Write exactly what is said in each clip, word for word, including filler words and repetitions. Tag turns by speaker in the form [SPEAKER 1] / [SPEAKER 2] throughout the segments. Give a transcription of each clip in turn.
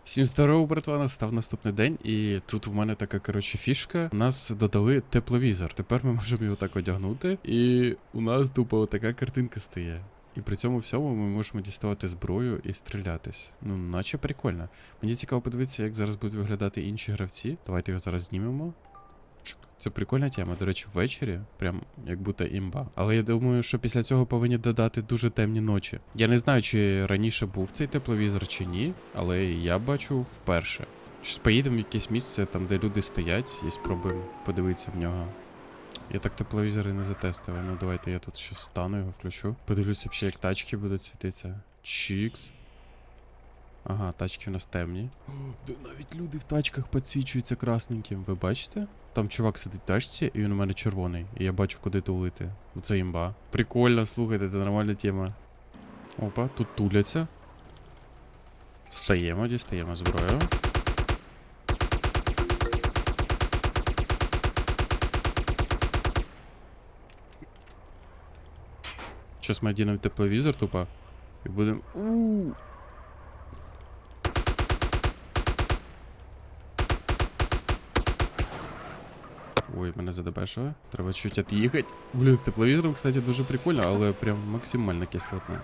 [SPEAKER 1] Всім здорово, братва, настав наступний день, і тут в мене така, коротше, фішка. У нас додали тепловізор. Тепер ми можемо його так одягнути, і у нас тупо така картинка стає. І при цьому всьому ми можемо діставати зброю і стрілятись. Ну, наче прикольно. Мені цікаво подивитися, як зараз будуть виглядати інші гравці. Давайте його зараз знімемо. Це прикольна тема, до речі, ввечері, прям як будто імба. Але я думаю, що після цього повинні додати дуже темні ночі. Я не знаю, чи раніше був цей тепловізор чи ні, але я бачу вперше. Щось поїдемо в якесь місце, там де люди стоять, і спробуємо подивитися в нього. Я так тепловізори не затестив. Ну давайте я тут щось встану, його включу. Подивлюся, ще, як тачки будуть світитися. Чікс. Ага, тачки у нас темні. О, да навіть люди в тачках підсвічуються красненьким. Ви бачите? Там чувак сидить в тачці, і він у мене червоний. І я бачу, куди тулити. Це імба. Прикольно, слухайте, це нормальна тема. Опа, тут туляться. Встаємо, дістаємо зброю. Щас ми одінемо тепловізор тупо. І будемо... Ууу. Ой, мене задебешили. Треба чуть від'їхати. Блін, з тепловізором, кстати, дуже прикольно, але прям максимально кислотно.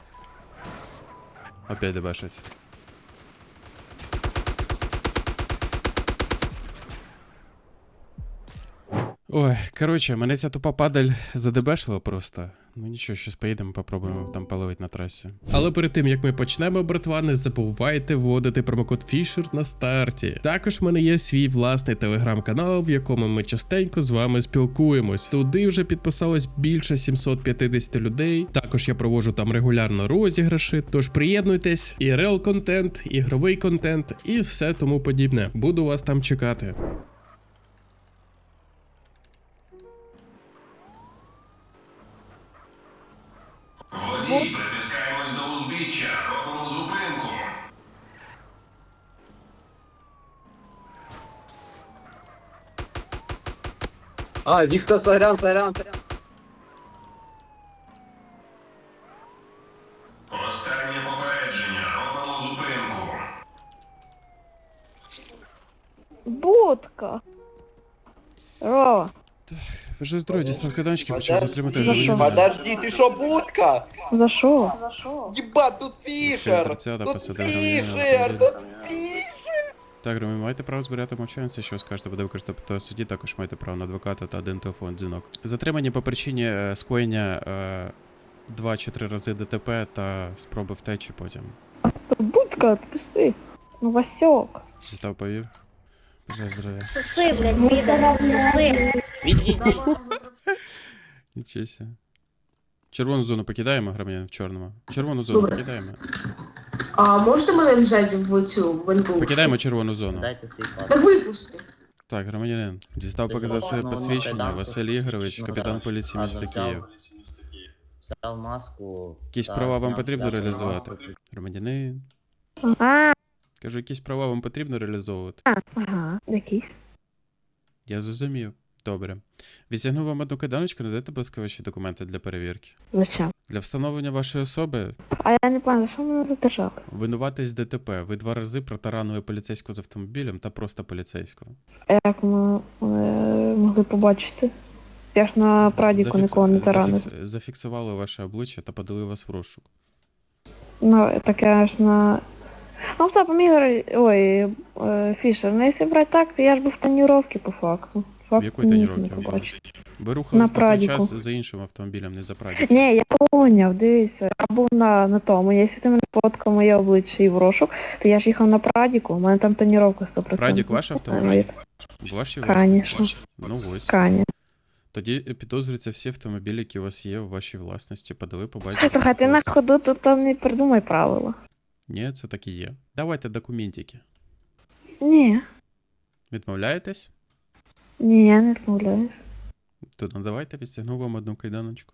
[SPEAKER 1] Опять дебешить. Ой, коротше, мене ця тупа падаль задебешила просто. Ну нічого, щось поїдемо, попробуємо там половити на трасі. Але перед тим, як ми почнемо, братва, не забувайте вводити промокод Фішер на старті. Також в мене є свій власний телеграм-канал, в якому ми частенько з вами спілкуємось. Туди вже підписалось більше сімсот п'ятдесят людей. Також я проводжу там регулярно розіграші, тож приєднуйтесь, і рел контент, ігровий контент і все тому подібне. Буду вас там чекати.
[SPEAKER 2] Водій, притискаємось до узбіччя, робимо зупинку.
[SPEAKER 3] А, Віктор, сорян, сорян, сорян.
[SPEAKER 2] Останнє попередження, робимо зупинку.
[SPEAKER 4] Будка. Рова.
[SPEAKER 1] Ви ж здорові, дістав каданчики, почав затримати
[SPEAKER 4] За що?
[SPEAKER 1] громадянина.
[SPEAKER 5] Подожди, ты шо, будка?
[SPEAKER 4] За що?
[SPEAKER 5] Ебать, тут Фишер!
[SPEAKER 1] тридцята
[SPEAKER 5] Тут
[SPEAKER 1] посадив
[SPEAKER 5] Фишер!
[SPEAKER 1] громадянина.
[SPEAKER 5] Тут Фишер!
[SPEAKER 1] Так, ви маєте право збирати мовчанці, що скажете, буде використати в суді, також маєте право на адвоката та один телефон дзвінок. Затримані по причині е, скоєння е, два чи три рази ДТП та спроби втечі потім.
[SPEAKER 4] Будка, отпусти. Ну, Васьок.
[SPEAKER 1] Зістав повів. Бажаю здоров'я.
[SPEAKER 6] Соси, блядь, піде, соси.
[SPEAKER 1] Нічого себе. Червону зону покидаємо, громадян в чорному. Червону зону
[SPEAKER 7] Добре.
[SPEAKER 1] покидаємо.
[SPEAKER 7] А можете мене взяти в цю ванту?
[SPEAKER 1] Покидаємо червону зону.
[SPEAKER 8] Дайте свій паспорт.
[SPEAKER 7] Та випусти.
[SPEAKER 1] Так, громадянин. Дістав
[SPEAKER 8] Ти
[SPEAKER 1] показати своє
[SPEAKER 8] ну,
[SPEAKER 1] посвідчення.
[SPEAKER 8] ну,
[SPEAKER 1] Василь
[SPEAKER 8] ну,
[SPEAKER 1] Ігорович,
[SPEAKER 8] ну,
[SPEAKER 1] капітан
[SPEAKER 8] так.
[SPEAKER 1] поліції міста
[SPEAKER 8] Ладно,
[SPEAKER 1] Київ.
[SPEAKER 8] Взяв маску.
[SPEAKER 1] Якісь
[SPEAKER 8] та
[SPEAKER 1] права вам
[SPEAKER 8] зняв
[SPEAKER 1] потрібно
[SPEAKER 8] взяв
[SPEAKER 1] реалізувати?
[SPEAKER 8] маску.
[SPEAKER 1] Громадянин.
[SPEAKER 4] А,
[SPEAKER 1] Кажу, якісь права вам потрібно реалізовувати?
[SPEAKER 4] ага, якийсь.
[SPEAKER 1] Я зрозумів. Добре. Відтягну вам одну киданочку, надайте, будь ласка, ваші документи для перевірки.
[SPEAKER 4] Зачем?
[SPEAKER 1] Для встановлення вашої особи
[SPEAKER 4] А я не пам'ятаю, за що мене задержали?
[SPEAKER 1] винуватись ДТП. Ви два рази протаранили поліцейського з автомобілем та просто поліцейського.
[SPEAKER 4] А як ми е, могли побачити? Я ж на прадіку
[SPEAKER 1] Зафікс-
[SPEAKER 4] нікого не таранив.
[SPEAKER 1] зафікс- Зафіксували ваше обличчя та подали вас в розшук.
[SPEAKER 4] Ну, так я ж на... Ну, в цапом Ігор... Ой, е, Фішер, ну якщо брати так, то я ж був в тоніровці по факту. Факт
[SPEAKER 1] якої
[SPEAKER 4] не міг
[SPEAKER 1] тоніровці
[SPEAKER 4] не
[SPEAKER 1] ви були?
[SPEAKER 4] побачити.
[SPEAKER 1] Ви рухались
[SPEAKER 4] На
[SPEAKER 1] на, той
[SPEAKER 4] прадіку.
[SPEAKER 1] час за іншим автомобілем, не за прадіком.
[SPEAKER 4] Ні, я поняв, дивися, я був на, на тому. Якщо ти мене фоткав моє обличчя і в розшук, то я ж їхав на прадіку, у мене там тоніровка сто відсотків.
[SPEAKER 1] Прадік ваш автомобіль? Ваші власності?
[SPEAKER 4] Конечно,
[SPEAKER 1] Ну ось.
[SPEAKER 4] конечно.
[SPEAKER 1] Тоді підозрюються всі автомобілі, які у вас є у вашій власності. Подали по базі.
[SPEAKER 4] Слухай, ти на
[SPEAKER 1] розшуку.
[SPEAKER 4] ходу, то там не придумай правила.
[SPEAKER 1] Ні, це так і є. Давайте документики.
[SPEAKER 4] Ні,
[SPEAKER 1] Відмовляєтесь?
[SPEAKER 4] ні, я не відмовляюсь.
[SPEAKER 1] То ну давайте відстягну вам одну кайданочку.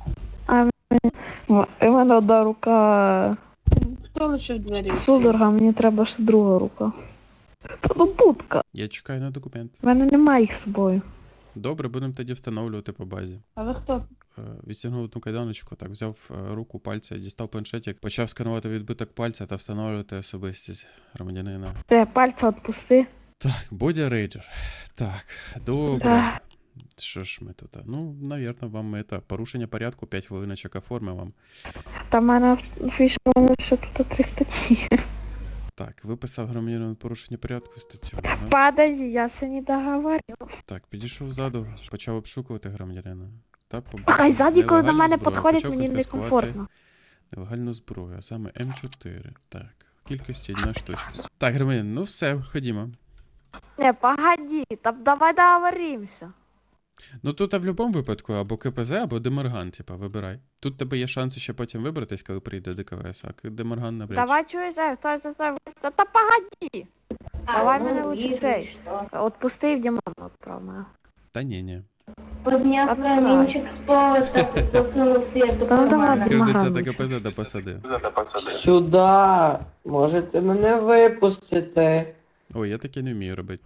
[SPEAKER 4] О, і в мене одна рука
[SPEAKER 7] Хто лише в двері?
[SPEAKER 4] судорога, мені треба ще друга рука. Та ну будка.
[SPEAKER 1] Я чекаю на документ.
[SPEAKER 4] В мене немає їх з собою.
[SPEAKER 1] Добре, будемо тоді встановлювати по базі.
[SPEAKER 4] А ви хто?
[SPEAKER 1] Е, Відстягнув одну кайданочку, так, взяв е, руку, пальця, дістав планшетик, почав сканувати відбиток пальця та встановлювати особистість громадянина.
[SPEAKER 4] Ти пальця відпусти.
[SPEAKER 1] Так, Бодя Рейджер. Так, добре.
[SPEAKER 4] Так.
[SPEAKER 1] Що ж ми тут? а? Ну, навірно, вам это, порушення порядку, п'ять хвилиночок оформимо вам.
[SPEAKER 4] Та в мене фіша ще тут три статті.
[SPEAKER 1] Так, виписав громадянину порушення порядку статтю. да?
[SPEAKER 4] Подожди, я ще не договорю.
[SPEAKER 1] Так, підійшов ззаду, почав обшукувати громадянина. Та побачив
[SPEAKER 4] Хай ззаді, коли до
[SPEAKER 1] нелегальну
[SPEAKER 4] мене
[SPEAKER 1] зброю,
[SPEAKER 4] підходять,
[SPEAKER 1] почав
[SPEAKER 4] мені
[SPEAKER 1] конфіскувати
[SPEAKER 4] некомфортно.
[SPEAKER 1] Нелегальну зброю, а саме М чотири. Так, в кількості одна штучка. Так, громадянин, ну все, ходімо.
[SPEAKER 4] Не, погоди, там давай договоримося.
[SPEAKER 1] Ну тут а в будь-якому випадку або КПЗ, або Деморган, типа, вибирай. Тут тебе є шанси ще потім вибратись, коли прийде ДКВС, а Деморган навряд чи.
[SPEAKER 4] Давай чуєш, стой, стой, стой, стой. Та, та погоди. Давай мене лучше цей. Отпусти і в Дімон відправ мене.
[SPEAKER 1] Та ні, ні.
[SPEAKER 7] Подняв
[SPEAKER 4] Отправь.
[SPEAKER 7] камінчик з пола та засунув світу в
[SPEAKER 4] Та ну давай,
[SPEAKER 7] карман.
[SPEAKER 1] Кердиця
[SPEAKER 4] Деморган.
[SPEAKER 1] до КПЗ до посади.
[SPEAKER 3] Сюда. Можете мене випустити.
[SPEAKER 1] Ой, я таке не вмію робити.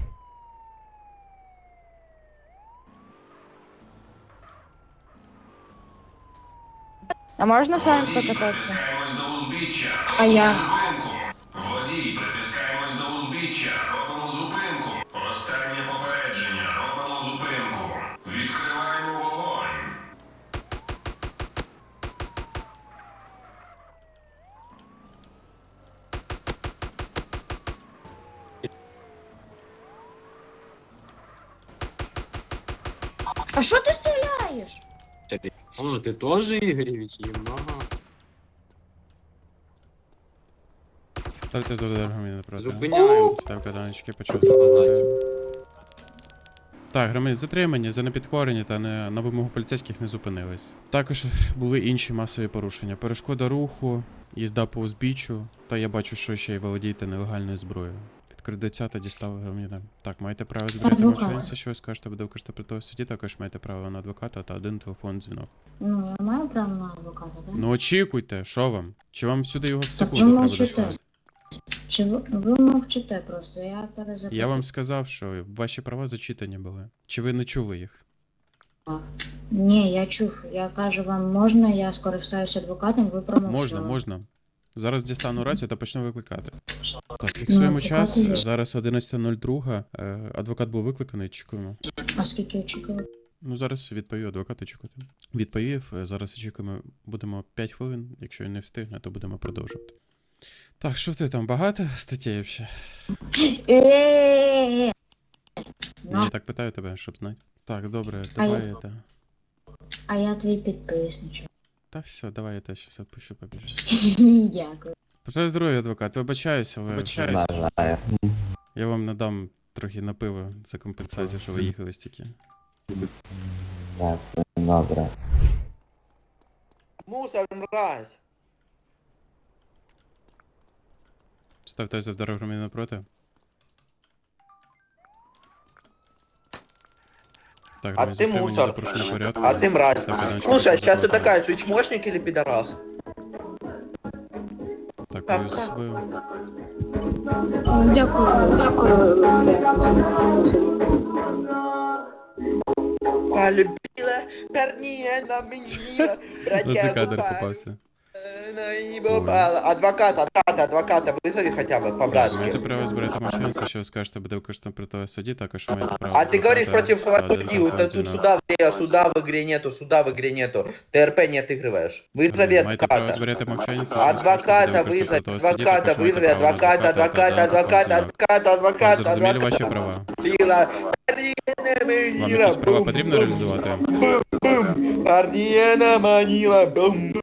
[SPEAKER 6] А можна з вами
[SPEAKER 2] Водій,
[SPEAKER 6] покататися?
[SPEAKER 2] притискаємось до узбіччя.
[SPEAKER 6] А я?
[SPEAKER 2] Зупинку. Водій, притискаємось до узбіччя. Робимо зупинку. Останнє попередження. Робимо зупинку. Відкриваємо вогонь.
[SPEAKER 6] А що ти стріляєш?
[SPEAKER 3] А, ти теж Ігоревич? Єма.
[SPEAKER 1] Ставте за громадянина напроти.
[SPEAKER 3] Зупиняю.
[SPEAKER 1] Став каданочки, почав
[SPEAKER 3] Що
[SPEAKER 1] заходити. Так, громадяни, затримані за непідкорення та не, на вимогу поліцейських не зупинились. Також були інші масові порушення. Перешкода руху, їзда по узбіччю, та я бачу, що ще й володієте нелегальною зброєю. Відкридиця та дістав громадянина. Так, маєте право збирати
[SPEAKER 6] Адвокат.
[SPEAKER 1] мовчанця, що ви скажете, буде використати в суді, також маєте право на адвоката та один телефон дзвінок.
[SPEAKER 6] Ну, я маю право на адвоката, так?
[SPEAKER 1] Ну очікуйте, що вам? Чи вам сюди його в
[SPEAKER 6] Так
[SPEAKER 1] секунду
[SPEAKER 6] ви
[SPEAKER 1] треба
[SPEAKER 6] мовчите.
[SPEAKER 1] дослати?
[SPEAKER 6] Чи ви, ви мовчите просто, я перезапитую.
[SPEAKER 1] Я вам сказав, що ваші права зачитані були. Чи ви не чули їх?
[SPEAKER 6] Ні, я чув. Я кажу вам, можна, я скористаюся адвокатом, ви промовчали.
[SPEAKER 1] Можна, можна. Зараз дістану рацію та почну викликати. Так, фіксуємо
[SPEAKER 6] адвокати
[SPEAKER 1] час.
[SPEAKER 6] є.
[SPEAKER 1] Зараз одинадцята нуль два. Е, Адвокат був викликаний, чекаємо.
[SPEAKER 6] А скільки очікували?
[SPEAKER 1] Ну, зараз відповів адвокат, очікувати. Відповів, е, зараз очікуємо, будемо п'ять хвилин. Якщо він не встигне, то будемо продовжувати. Так, що ти там, багато статей взагалі?
[SPEAKER 6] Е-е-е!
[SPEAKER 1] Ні, я так питаю тебе, щоб знати. Так, добре,
[SPEAKER 6] А
[SPEAKER 1] давай
[SPEAKER 6] я-
[SPEAKER 1] это.
[SPEAKER 6] А я твій підписничок.
[SPEAKER 1] Та все, давай я тебе щас відпущу, побіжу.
[SPEAKER 6] Дякую.
[SPEAKER 1] Бажаю здоров'я, адвокат. Вибачаюся, ви вже... Я вам надам трохи на пиво за компенсацію, що ви їхали стільки.
[SPEAKER 5] Добре. Мусор, мразь.
[SPEAKER 1] Ставте за дорогу громадянина напроти. Так,
[SPEAKER 5] А
[SPEAKER 1] громадян,
[SPEAKER 5] ты
[SPEAKER 1] затримання
[SPEAKER 5] мусор.
[SPEAKER 1] за порушення порядку.
[SPEAKER 5] А ты мразь.
[SPEAKER 1] Ставте даночку,
[SPEAKER 5] Слушай,
[SPEAKER 1] прошу
[SPEAKER 5] сейчас ты
[SPEAKER 1] заплатити.
[SPEAKER 5] такая, ты чмошник или пидорас?
[SPEAKER 1] Так, повів з собою.
[SPEAKER 7] Дякую. Дякую.
[SPEAKER 5] Полюбила парня на меня,
[SPEAKER 1] Оце
[SPEAKER 5] братья
[SPEAKER 1] кадр
[SPEAKER 5] упали,
[SPEAKER 1] попався.
[SPEAKER 5] на него упала. Адвоката, адвоката, адвоката, вызови хотя бы
[SPEAKER 1] Так,
[SPEAKER 5] по-братски.
[SPEAKER 1] маєте право збирати мовчанця, що ви скажете, буде використано при того суді, також маєте право...
[SPEAKER 5] А ты говоришь
[SPEAKER 1] адвоката
[SPEAKER 5] против
[SPEAKER 1] та один
[SPEAKER 5] судьи, вот
[SPEAKER 1] телефон
[SPEAKER 5] тут
[SPEAKER 1] дзвінок.
[SPEAKER 5] суда в игре, суда в игре нету, суда в игре нету. ТРП не отыгрываешь. Вызови
[SPEAKER 1] Маєте право
[SPEAKER 5] адвоката.
[SPEAKER 1] збирати мовчанця, що ви скажете,
[SPEAKER 5] Адвоката
[SPEAKER 1] буде використано
[SPEAKER 5] вызвать,
[SPEAKER 1] при того суді,
[SPEAKER 5] адвоката
[SPEAKER 1] також маєте
[SPEAKER 5] вызови,
[SPEAKER 1] право на
[SPEAKER 5] адвоката,
[SPEAKER 1] адвоката та
[SPEAKER 5] адвоката,
[SPEAKER 1] один телефон
[SPEAKER 5] адвоката,
[SPEAKER 1] дзвінок.
[SPEAKER 5] адвоката,
[SPEAKER 1] Вам зрозуміли
[SPEAKER 5] адвоката.
[SPEAKER 1] ваші права?
[SPEAKER 5] Пила.
[SPEAKER 1] Вам якісь права потрібно реалізувати?
[SPEAKER 5] Парнина манила, бум.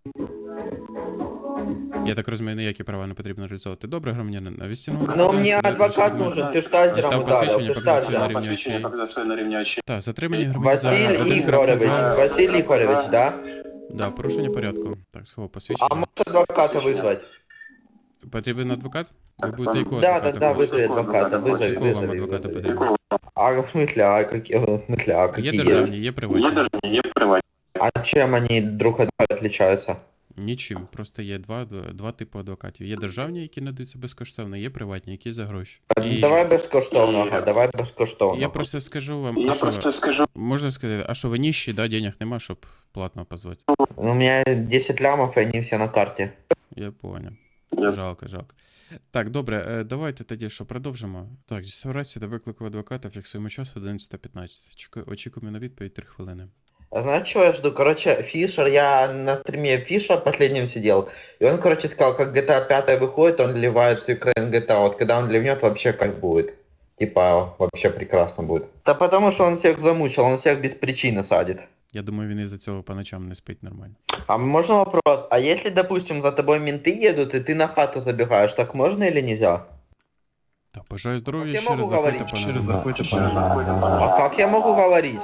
[SPEAKER 1] Я так розумію, ніякі права не потрібно реалізовувати. Добре, громадянин, а відстягнув...
[SPEAKER 5] Но мне адвокат нужен, ты ж тазером
[SPEAKER 1] Дістав
[SPEAKER 5] ударил,
[SPEAKER 1] посвідчення,
[SPEAKER 5] ты ж
[SPEAKER 1] показав своє на
[SPEAKER 5] тазером.
[SPEAKER 1] рівні очей. Так, затримані громадян за
[SPEAKER 5] Василь
[SPEAKER 1] один
[SPEAKER 5] Игоревич,
[SPEAKER 1] крапка два.
[SPEAKER 5] Василь Игоревич, да?
[SPEAKER 1] Да, порушення порядку. Так, сховав
[SPEAKER 5] А
[SPEAKER 1] посвідчення.
[SPEAKER 5] можешь адвоката вызвать?
[SPEAKER 1] Потрібен адвокат? Ви будете якого
[SPEAKER 5] Да, да,
[SPEAKER 1] адвоката
[SPEAKER 5] да,
[SPEAKER 1] хочете?
[SPEAKER 5] вызови адвоката, вызови,
[SPEAKER 1] Якого вам
[SPEAKER 5] вызови.
[SPEAKER 1] адвоката
[SPEAKER 5] вызови.
[SPEAKER 1] потрібно?
[SPEAKER 5] А в смысле, а какие, в смысле, а
[SPEAKER 1] Є
[SPEAKER 5] какие есть?
[SPEAKER 1] державні, є приватні.
[SPEAKER 5] А чем они друг от друга отличаются?
[SPEAKER 1] Нічим. Просто є два, два, два типи адвокатів. Є державні, які надаються безкоштовно, є приватні, які за гроші. І
[SPEAKER 5] Давай безкоштовного, давай безкоштовного.
[SPEAKER 1] я просто скажу вам, а що ви-
[SPEAKER 5] скажу.
[SPEAKER 1] можна сказати, а що ви ніщі, да, денег нема, щоб платно позвати.
[SPEAKER 5] Ну, у меня десять лямов, и они все на карте.
[SPEAKER 1] Я понял. Жалко, жалко. Так, добре, е, давайте тоді що, продовжимо. Так, реставрацію до виклику адвоката, фіксуємо час одинадцята п'ятнадцять. Чекаю- Очікуємо на відповідь три хвилини.
[SPEAKER 5] А знаешь, чего я жду? Короче, Фишер, я на стриме Фишер последним сидел, и он, короче, сказал, как джи ти эй пять выходит, он ливает всю Украину джи ти эй. Вот когда он ливнет, вообще как будет. Типа, вообще прекрасно будет. Да потому что он всех замучил, он всех без причины садит.
[SPEAKER 1] Я думаю, він із-за цього по ночам не спить нормально.
[SPEAKER 5] А можно вопрос? А если, допустим, за тобой менты едут, и ты на хату забегаешь, так можно или нельзя?
[SPEAKER 1] Так, бажаю здоров'я,
[SPEAKER 5] Я
[SPEAKER 1] ще
[SPEAKER 5] можу
[SPEAKER 1] раз заходьте,
[SPEAKER 5] говорити?
[SPEAKER 1] пане.
[SPEAKER 5] А как я могу говорить?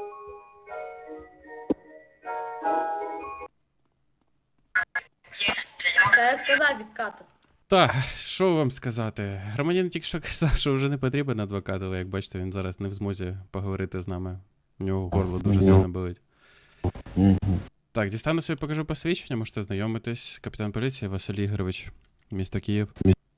[SPEAKER 9] Та я сказав відкати.
[SPEAKER 1] Так, що вам сказати? Громадянин тільки що казав, що вже не потрібен адвокат, але як бачите, він зараз не в змозі поговорити з нами. У нього горло дуже сильно болить. Так, дістану собі покажу посвідчення, можете знайомитись. Капітан поліції Василь Ігорович, місто Київ.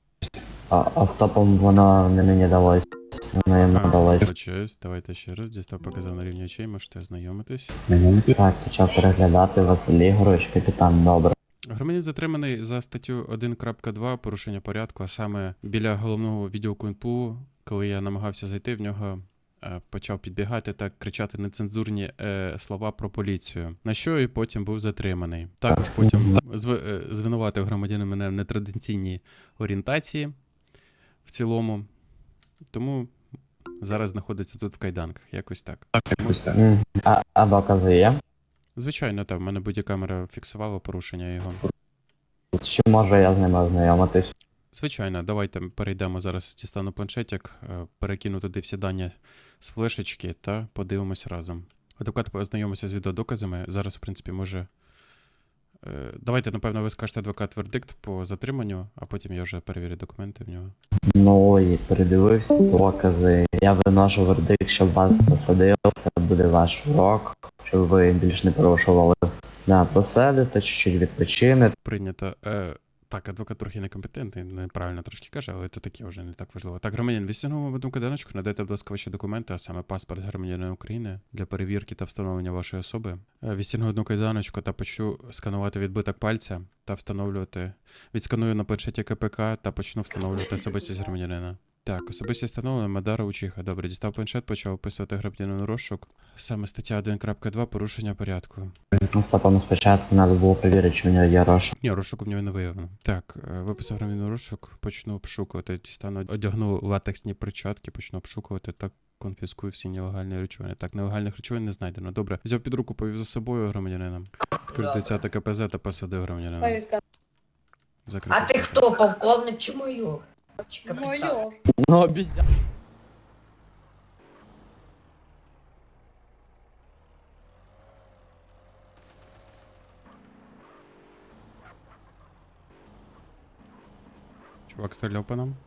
[SPEAKER 8] А, автопом вона не мені далась. Вона йому далась.
[SPEAKER 1] Почусь, давайте ще раз. Дістав показав на рівні очей, можете знайомитись.
[SPEAKER 8] Так, почав переглядати Василь Ігорович, капітан, добре.
[SPEAKER 1] Громадянин затриманий за статтю один крапка два порушення порядку, а саме біля головного відділку ен пе у, коли я намагався зайти, в нього е, почав підбігати та кричати нецензурні е, слова про поліцію, на що і потім був затриманий. Також потім зв, е, звинуватив громадянин мене в нетрадиційній орієнтації в цілому, тому зараз знаходиться тут в кайданках, якось так.
[SPEAKER 8] Мгм. А, а докази є?
[SPEAKER 1] Звичайно, так, в мене бодікамера фіксувала порушення його.
[SPEAKER 8] Чи можу я з ними ознайомитись?
[SPEAKER 1] Звичайно, давайте перейдемо зараз, дістану планшетик, е, перекину туди всі дані з флешечки та подивимось разом. Адвокат познайомився з відеодоказами. Зараз, в принципі, може. е, Давайте, напевно, ви скажете адвокат вердикт по затриманню, а потім я вже перевірю документи в нього.
[SPEAKER 8] Ну і передивився докази. Я виношу вердикт, щоб вас посадили. Це буде ваш урок, щоб ви більш не порушували. Да, посадите, чуть-чуть відпочинете.
[SPEAKER 1] Прийнято. Е, так, адвокат трохи некомпетентний, неправильно трошки каже, але це таке вже не так важливо. Так, громадян, відстягнув вам одну каданочку, надайте, будь ласка, ваші документи, а саме паспорт громадянина України для перевірки та встановлення вашої особи. Е, Відстягну одну кайданочку та почну сканувати відбиток пальця та встановлювати. Відсканую на планшеті ка пе ка та почну встановлювати особистість громадянина. Так, особистість встановлена, Мадара Учиха. Добре, дістав планшет, почав описувати громадянину розшук. Саме стаття один крапка два порушення порядку.
[SPEAKER 8] Ну, потім спочатку треба було перевірити, чи в нього є розшук.
[SPEAKER 1] Ні, розшуку в нього не виявлено. Так, е, виписав громадянину розшук, почну обшукувати. Дістану, одягну латексні перчатки, почну обшукувати та конфіскую всі нелегальні речовини. Так, нелегальних речовин не знайдено. Добре, взяв під руку, повів за собою громадянина. Відкрив десяте ка пе зет та посадив громадянина. Закрив
[SPEAKER 9] А ти
[SPEAKER 1] десяте.
[SPEAKER 9] хто, полковник чи майор? Чи капітан?
[SPEAKER 8] Ну, обіцяв.
[SPEAKER 1] Чувак стріляв по нам.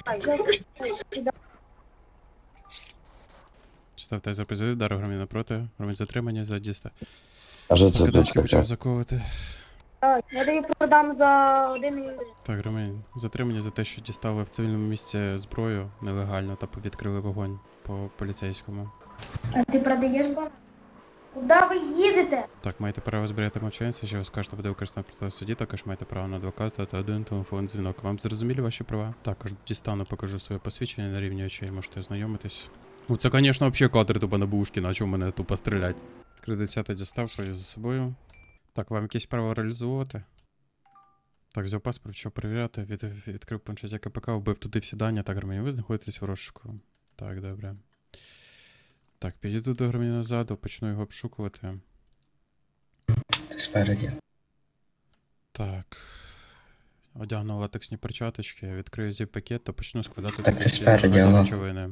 [SPEAKER 1] Ставте запис удару громадянина проти. Громадян затримання за діста. Став каданчики почав заковувати.
[SPEAKER 4] Я тобі продам за один.
[SPEAKER 1] Так, громадян, затримання за те, що дістали в цивільному місці зброю нелегально та відкрили вогонь по поліцейському.
[SPEAKER 4] А ти продаєш бар? Куди ви їдете?
[SPEAKER 1] Так, маєте право зберігати мовчання, що ви скажете буде використано проти суді, також маєте право на адвоката та один телефонний дзвінок. Вам зрозуміли ваші права? Також дістану, покажу своє посвідчення на рівні очей, можете ознайомитись. Ну це, звісно, взагалі кадр тупо на бушки, на чому мене тупо стрілять. Відкрив десяте дістав, повів за собою. Так, вам якесь право реалізовувати? Так, взяв паспорт, що перевіряти, від, відкрив планшет ка пе ка, вбив туди всі дані. Так, громадян, ви знаходитесь в розшуку. Так, добре. Так, підійду до громадянина ззаду, почну його обшукувати.
[SPEAKER 8] Ти спереді.
[SPEAKER 1] Так. Одягну латексні перчаточки, відкрию зіп-пакет та почну складати
[SPEAKER 8] Так,
[SPEAKER 1] туди
[SPEAKER 8] ти
[SPEAKER 1] всі
[SPEAKER 8] спереді,
[SPEAKER 1] нелегальні
[SPEAKER 8] воно.
[SPEAKER 1] речовини.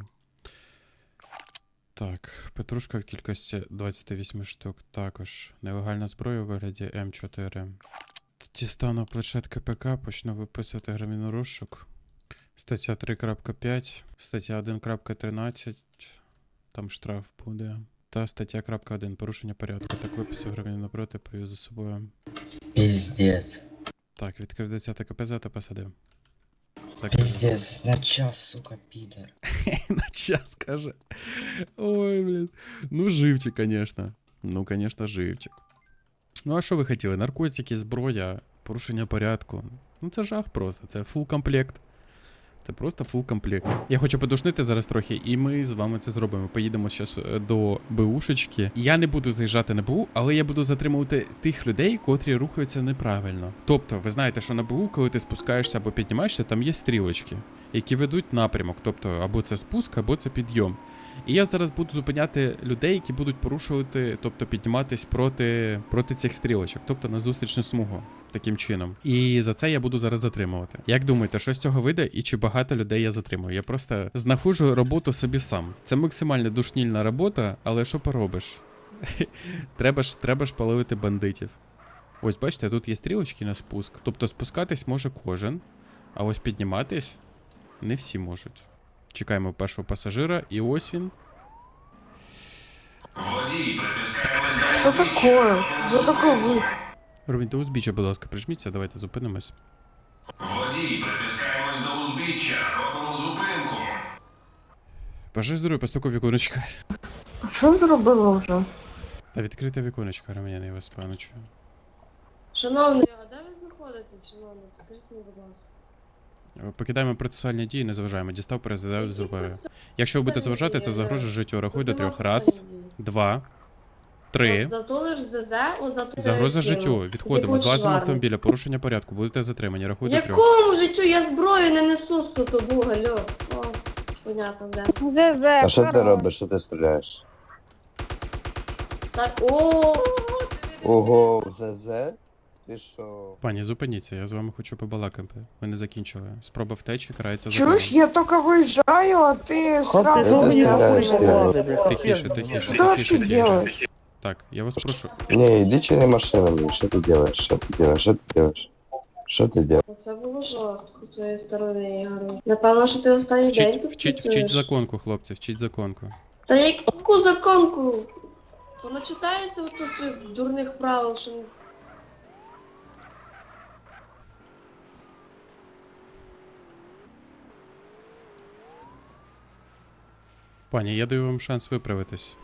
[SPEAKER 1] Так, петрушка в кількості двадцять вісім штук. Також нелегальна зброя у вигляді ем чотири. Дістану планшет ка пе ка, почну виписувати громадянину розшук. Стаття три крапка п'ять, стаття один крапка тринадцять, там штраф буде. Та стаття крапка один, порушення порядку. Так, виписав громадянина проти, повів за собою.
[SPEAKER 8] Піздець.
[SPEAKER 1] Так, відкрив десяте КПЗ та посадив. Закрив.
[SPEAKER 8] Піздець, на час, сука, підер.
[SPEAKER 1] На час, каже. Ой, блін. Ну, живчик, конечно. Ну, конечно, живчик. Ну, а що ви хотіли? Наркотики, зброя, порушення порядку. Ну, це жах просто, це фул комплект. Це просто фул комплект. Я хочу подушнити зараз трохи, і ми з вами це зробимо. Поїдемо зараз до БУшечки. Я не буду заїжджати на БУ, але я буду затримувати тих людей, котрі рухаються неправильно. Тобто, ви знаєте, що на БУ, коли ти спускаєшся або піднімаєшся, там є стрілочки, які ведуть напрямок. Тобто, або це спуск, або це підйом. І я зараз буду зупиняти людей, які будуть порушувати, тобто підніматись проти, проти цих стрілочок, тобто на зустрічну смугу. Таким чином. І за це я буду зараз затримувати. Як думаєте, що з цього вийде і чи багато людей я затримую? Я просто знаходжу роботу собі сам. Це максимально душнільна робота, але що поробиш? треба ж, треба ж половити бандитів. Ось бачите, тут є стрілочки на спуск. Тобто спускатись може кожен, а ось підніматись не всі можуть. Чекаємо першого пасажира, і ось він.
[SPEAKER 2] Водій, притискаємось до
[SPEAKER 7] Що
[SPEAKER 2] узбіччя.
[SPEAKER 7] таке? Що таке ви?
[SPEAKER 1] Робіть до узбіччя, будь ласка, прижміться, давайте зупинимось.
[SPEAKER 2] Водій, притискаємось до узбіччя. Робимо зупинку.
[SPEAKER 1] Бажаю здоров'я, постуку віконечка.
[SPEAKER 7] А що зробила вже?
[SPEAKER 1] Та відкрите віконечко, громадяни, я вас пану чую.
[SPEAKER 7] Шановний, а де ви знаходитесь, шановний? Скажіть мені, будь ласка.
[SPEAKER 1] Покидаємо процесуальні дії, не заважаємо. Дістав, перезадав, зробив. Якщо ви будете заважати, це загрожує життю. Рахуй до трьох. Раз, два, три.
[SPEAKER 7] За то лиш ЗЗ, о, за то
[SPEAKER 1] Загроза
[SPEAKER 7] я
[SPEAKER 1] життю.
[SPEAKER 7] кинув.
[SPEAKER 1] Відходимо.
[SPEAKER 7] Якусь
[SPEAKER 1] Злазимо
[SPEAKER 7] шварму.
[SPEAKER 1] автомобіля. Порушення порядку. Будете затримані. Рахуй до трьох.
[SPEAKER 7] Якому життю? Я зброю не несу з тобою, гальо. О, понятно, де.
[SPEAKER 4] ЗЗ,
[SPEAKER 10] А що ти робиш? Що ти стріляєш?
[SPEAKER 7] Так, о,
[SPEAKER 10] Ого, в ЗЗ? Ти що?
[SPEAKER 1] Пані, зупиніться, я з вами хочу побалакати. Ви не закінчили. Спроба втечі карається
[SPEAKER 7] чуєш,
[SPEAKER 1] законом.
[SPEAKER 7] я тільки виїжджаю, а ти сразу
[SPEAKER 10] ти
[SPEAKER 7] мене
[SPEAKER 10] стріляєш,
[SPEAKER 7] розстріляєш.
[SPEAKER 1] Тихіше, тихіше,
[SPEAKER 7] Що ти вообще
[SPEAKER 1] тихіше,
[SPEAKER 7] делаешь?
[SPEAKER 1] тихіше. Так, я вас прошу.
[SPEAKER 10] Не, иди чини машинами. Що ти делаєш? Що ти делаєш? Що ти делаєш? Що ти делаєш?
[SPEAKER 7] Це було жорстко з твоєї сторони, Ігор. Напевно, що ти останній день
[SPEAKER 1] Вчіть,
[SPEAKER 7] тут
[SPEAKER 1] вчіть,
[SPEAKER 7] працюєш.
[SPEAKER 1] вчіть законку, хлопці, вчіть законку.
[SPEAKER 7] Та яку законку? Вона читається от тут цих дурних правил, що...
[SPEAKER 1] Пані, я даю вам шанс виправитись.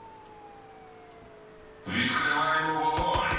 [SPEAKER 2] Відкриваємо вогонь.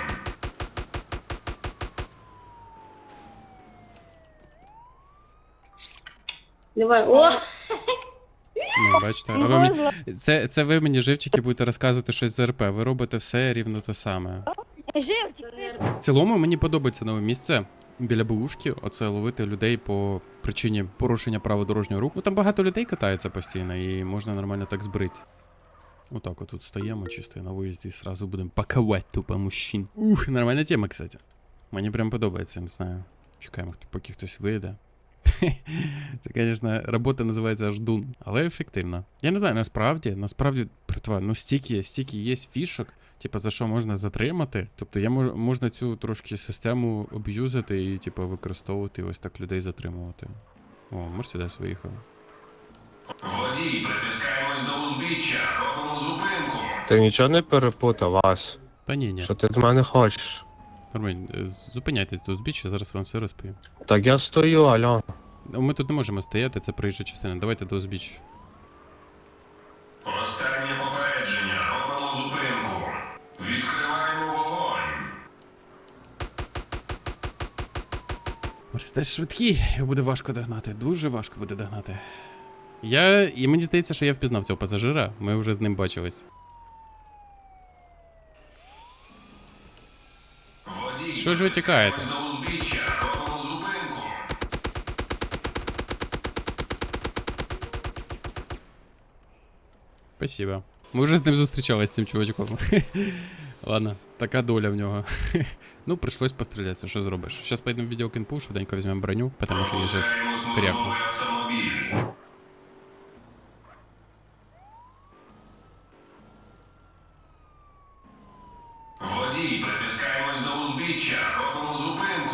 [SPEAKER 7] Давай, о!
[SPEAKER 1] Ну, бачите, а ви мені... це, це ви мені, живчики, будете розказувати щось з РП. Ви робите все рівно те саме. В цілому мені подобається нове місце біля БУшки, оце ловити людей по причині порушення правил дорожнього руху. Ну там багато людей катається постійно і можна нормально так збрити. Отак от тут стаємо чисто на виїзді, сразу будемо пакувати тупо мужчин. Ух, нормальна тема, кстати. Мені прям подобається, не знаю. Чекаємо, поки хтось вийде. Це, звісно, робота називається ждун, але ефективна. Я не знаю, насправді, насправді, братва, ну стільки, стільки є фішок, типу, за що можна затримати. Тобто я мож, можна цю трошки систему об'юзати і, типу, використовувати, ось так людей затримувати. О, Мерседес виїхав.
[SPEAKER 2] Водій, притискаємось до узбіччя. Робимо зупинку.
[SPEAKER 11] Ти нічого не перепутав, Вась?
[SPEAKER 1] Та ні, ні.
[SPEAKER 11] Що ти від мене хочеш?
[SPEAKER 1] Нормально, е, зупиняйтесь до узбіччя, зараз вам все розповім.
[SPEAKER 11] Так я стою, альо.
[SPEAKER 1] Ми тут не можемо стояти, це проїжджа частина. Давайте до узбіччя.
[SPEAKER 2] Останнє попередження. Робимо зупинку. Відкриваємо вогонь.
[SPEAKER 1] Мерседес швидкий, його буде важко догнати. Дуже важко буде догнати. Я. І мені здається, що я впізнав цього пасажира. Ми вже з ним бачились.
[SPEAKER 2] Водій,
[SPEAKER 1] Що ж ви тікаєте?
[SPEAKER 2] притискаємось до узбіччя. Робимо зупинку.
[SPEAKER 1] Спасибо. Ми вже з ним зустрічалися з цим чувачком. Ладно, така доля в нього. Ну, прийшлось пострілятися, що зробиш. Зараз поїдемо в відділ Кінпу, швиденько візьмемо броню, тому що я зараз
[SPEAKER 2] Пропускаємо
[SPEAKER 1] крякну.
[SPEAKER 2] службовий автомобіль. Водій, притискаємось до узбіччя. Робимо зупинку.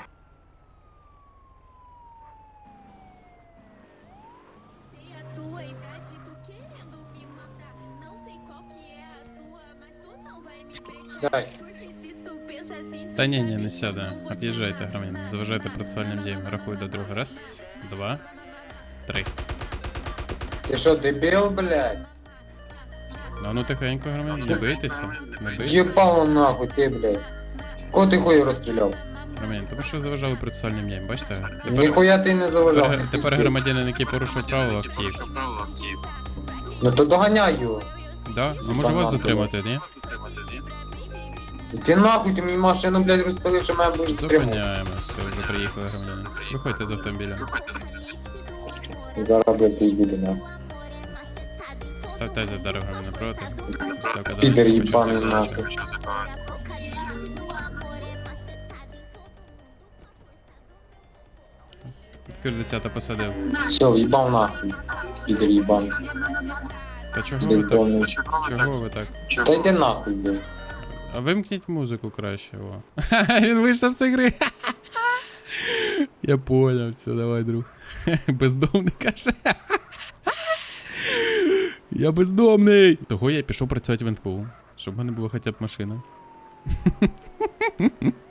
[SPEAKER 12] Sei a tua idade, tu querendo me mandar. Não sei qual que é a tua, mas tu não vai me pregar. Porque se tu pensa assim,
[SPEAKER 1] Та ні, ні, не сяде. От'їжджайте, громадяни. Заважайте процесуальним діям. Рахуй до друга. Раз, два, три.
[SPEAKER 3] Ти що, дебіл, блядь?
[SPEAKER 1] Ну, ну тихенько, громадяни, не бийтеся. Не бийтеся.
[SPEAKER 3] Їбало нахуй, ти, блядь. Кого ти хуй розстріляв?
[SPEAKER 1] Громадяни, тому що заважали процесуальним діям, бачите? Тепер,
[SPEAKER 3] Ніхуя ти не заважав.
[SPEAKER 1] тепер, тепер громадянин, який порушив правила, втік.
[SPEAKER 3] Ну то доганяй його.
[SPEAKER 1] Да? А може вас затримати, ні?
[SPEAKER 3] Ти нахуй, ти мені машину, блядь, розпалив, що мене будеш стримувати.
[SPEAKER 1] Зупиняємося, все, вже приїхали громадяни. Виходьте з автомобіля.
[SPEAKER 3] Зараз, блядь, ти йди нахуй.
[SPEAKER 1] Ставте за дорогами напроти. Ставка
[SPEAKER 3] Підер
[SPEAKER 1] дорожка,
[SPEAKER 3] їбаний
[SPEAKER 1] почав
[SPEAKER 3] нахуй.
[SPEAKER 1] закривати. Кирдицята посадив.
[SPEAKER 3] Все, їбав нахуй. Підер їбаний.
[SPEAKER 1] Та чого ви так?
[SPEAKER 3] Бездомний.
[SPEAKER 1] Чого ви так?
[SPEAKER 3] Та йди нахуй, блядь.
[SPEAKER 1] А вимкніть музику краще, о. Він вийшов з ігри. Я поняв, все, давай, друг. Бездомний каже. Я бездомний. Того я пішов працювати в ен пе у, щоб в мене була хоча б машина.